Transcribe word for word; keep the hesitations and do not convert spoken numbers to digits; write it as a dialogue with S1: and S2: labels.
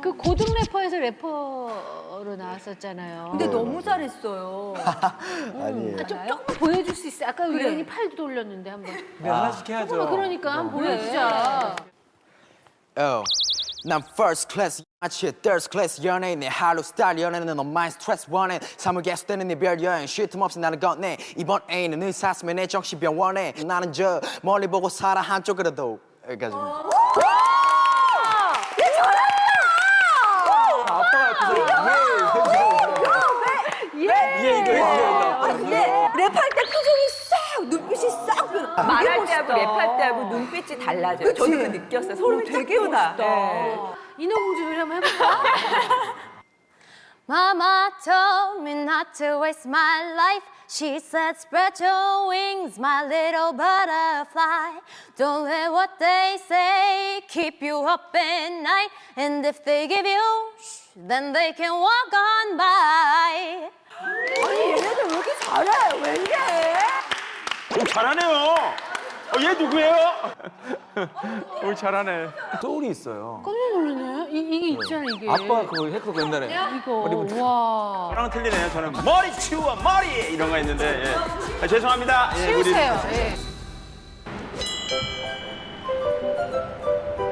S1: 그 고등 래퍼에서 래퍼로 나왔었잖아요.
S2: 근데 너무 잘했어요.
S3: 아니에요.
S1: 아, 좀 조금 보여줄 수 있어? 아까 유연이 팔도 돌렸는데 한번.
S4: 네, 하나씩 해야죠.
S1: 조금만 그러니까 한번 보여주자.
S3: Oh. 난 first class 마치 third class 연예인 내 하루 스타일 연애는 넌 마인 스트레스 원해 삶을 계속되는 네 별 여행 쉴 틈 없이 나를 건네 이번 애인은 의사스면 내 정신병원에 나는 저 멀리 보고 살아 한쪽으로도 여기까지
S2: 예, 이거 아, 근데 랩할 때 표정이 싹, 눈빛이 싹 변해.
S5: 말할 때하고 랩할 때하고 눈빛이 달라져요.
S2: 그치?
S5: 저도 그 느꼈어요. 소름이
S2: 되게
S5: 쫙 돋아.
S2: 멋있다.
S5: 네.
S1: 인어공주 노래 한번 해볼까?
S6: Mama told me not to waste my life. She said, spread your wings, my little butterfly. Don't let what they say keep you up at night. And if they give you shh, then they can walk on by.
S2: 아니, 얘네들 왜 이렇게 잘해? 왜 이래?
S4: 오, 잘하네요. 어, 얘 누구예요? 오, 잘하네. 소울이 있어요.
S1: 깜짝 놀랐네. 이, 이게 있잖아, 이게.
S4: 아빠 그거 했거든 옛날에.
S1: 이거. 와.
S4: 저랑 틀리네요. 저는 머리 치워 머리 이런 거 했는데 예. 아, 죄송합니다. 예, 우리-
S1: 치우세요. 예.